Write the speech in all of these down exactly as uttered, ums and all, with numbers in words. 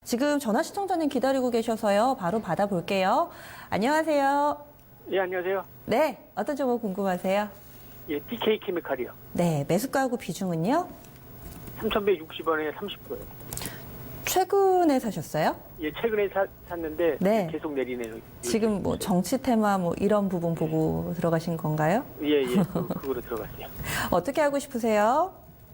지금 전화 시청자님 기다리고 계셔서요. 바로 받아볼게요. 안녕하세요. 예, 안녕하세요. 네, 어떤 종목 궁금하세요? 예, 티케이케미칼이요. 네, 매수가하고 비중은요? 삼천백육십 원에 삼십 퍼센트요. 최근에 사셨어요? 예, 최근에 사, 샀는데 네. 계속 내리네요. 지금 뭐 정치 테마 뭐 이런 부분 보고 들어가신 건가요? 예, 예, 그, 그거로 들어갔어요. 어떻게 하고 싶으세요?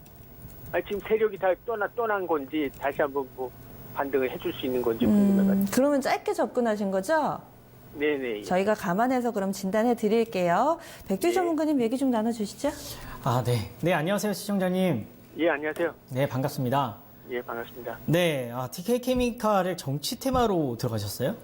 아, 지금 세력이 다 떠나, 떠난 건지 다시 한번 뭐 반등을 해줄 수 있는 건지 궁금해가지고. 음, 그러면 짧게 접근하신 거죠? 네네. 예. 저희가 감안해서 그럼 진단해 드릴게요. 백주 네. 전문가님 얘기 좀 나눠주시죠. 아, 네. 네, 안녕하세요, 시청자님. 예, 안녕하세요. 네, 반갑습니다. 예, 반갑습니다. 네, 아, 티케이케미칼을 정치 테마로 들어가셨어요?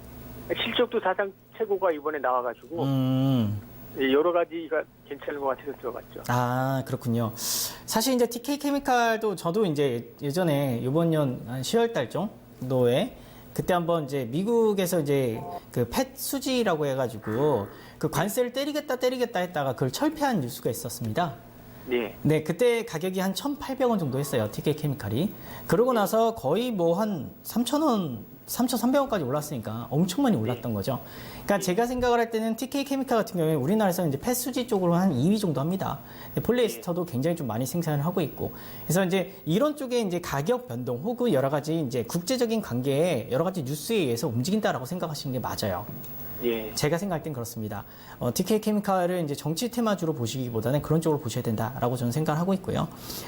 실적도 사상 최고가 이번에 나와가지고 음, 예, 여러 가지가 괜찮은 것 같아서 들어갔죠. 아, 그렇군요. 사실 이제 티케이케미칼도 저도 이제 예전에 이번 년 한 시월 달 정도에 그때 한번 이제 미국에서 이제 그 펫 수지라고 해가지고 그 관세를 때리겠다 때리겠다 했다가 그걸 철폐한 뉴스가 있었습니다. 네. 네, 그때 가격이 한 천팔백 원 정도 했어요, 티케이케미칼이. 그러고 나서 거의 뭐 한 삼천 원, 삼천삼백 원까지 올랐으니까 엄청 많이 올랐던 거죠. 그러니까 제가 생각을 할 때는 티케이케미칼 같은 경우에 우리나라에서 이제 펫수지 쪽으로 한 이 위 정도 합니다. 폴리에스터도 굉장히 좀 많이 생산을 하고 있고. 그래서 이제 이런 쪽에 이제 가격 변동 혹은 여러 가지 이제 국제적인 관계에 여러 가지 뉴스에 의해서 움직인다라고 생각하시는 게 맞아요. 예. 제가 생각할 땐 그렇습니다. 어, 티케이케미칼을 이제 정치 테마주로 보시기보다는 그런 쪽으로 보셔야 된다라고 저는 생각을 하고 있고요.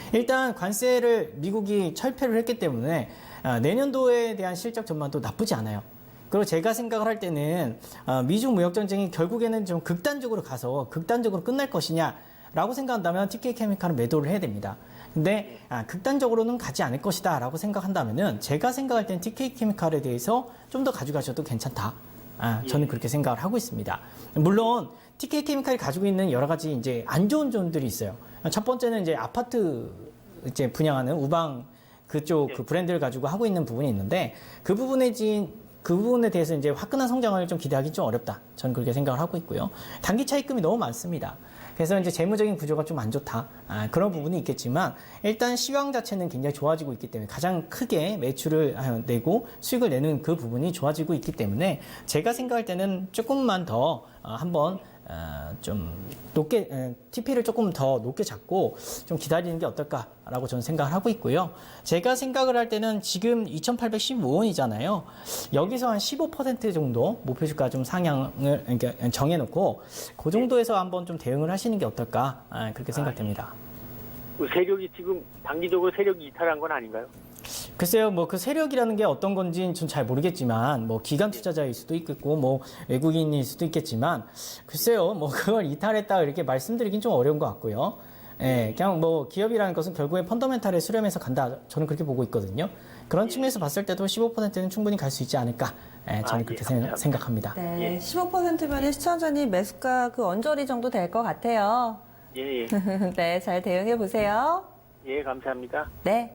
일단 관세를 미국이 철폐를 했기 때문에 아, 내년도에 대한 실적 전망도 나쁘지 않아요. 그리고 제가 생각을 할 때는 아, 미중 무역 전쟁이 결국에는 좀 극단적으로 가서 극단적으로 끝날 것이냐라고 생각한다면 티케이케미칼은 매도를 해야 됩니다. 근데 아, 극단적으로는 가지 않을 것이다 라고 생각한다면은 제가 생각할 땐 티케이케미칼에 대해서 좀 더 가져가셔도 괜찮다. 아, 저는 그렇게 생각을 하고 있습니다. 물론 티케이케미칼이 가지고 있는 여러 가지 이제 안 좋은 점들이 있어요. 첫 번째는 이제 아파트 이제 분양하는 우방 그쪽 그 브랜드를 가지고 하고 있는 부분이 있는데 그 부분에 진 그 부분에 대해서 이제 화끈한 성장을 좀 기대하기 좀 어렵다. 저는 그렇게 생각을 하고 있고요. 단기 차입금이 너무 많습니다. 그래서 이제 재무적인 구조가 좀 안 좋다. 아, 그런 부분이 있겠지만 일단 시황 자체는 굉장히 좋아지고 있기 때문에 가장 크게 매출을 내고 수익을 내는 그 부분이 좋아지고 있기 때문에 제가 생각할 때는 조금만 더 어, 한번 어, 좀 높게 에, 티피를 조금 더 높게 잡고 좀 기다리는 게 어떨까라고 저는 생각을 하고 있고요. 제가 생각을 할 때는 지금 이천팔백십오 원이잖아요. 여기서 한 십오 퍼센트 정도 목표 주가 좀 상향을 그러니까 정해놓고 그 정도에서 한번 좀 대응을 하시는 게 어떨까 아, 그렇게 생각됩니다. 그 세력이 지금 단기적으로 세력이 이탈한 건 아닌가요? 글쎄요, 뭐 그 세력이라는 게 어떤 건지는 전 잘 모르겠지만, 뭐 기관 투자자일 수도 있겠고, 뭐 외국인일 수도 있겠지만, 글쎄요, 뭐 그걸 이탈했다 이렇게 말씀드리긴 좀 어려운 것 같고요. 예, 그냥 뭐 기업이라는 것은 결국에 펀더멘탈에 수렴해서 간다. 저는 그렇게 보고 있거든요. 그런 측면에서 봤을 때도 십오 퍼센트는 충분히 갈 수 있지 않을까. 예, 저는 아, 그렇게 예, 생- 감사합니다. 생각합니다. 네, 예. 십오 퍼센트면 시청자님 매수가 그 언저리 정도 될 것 같아요. 예, 예. 네, 잘 대응해 보세요. 예, 감사합니다. 네.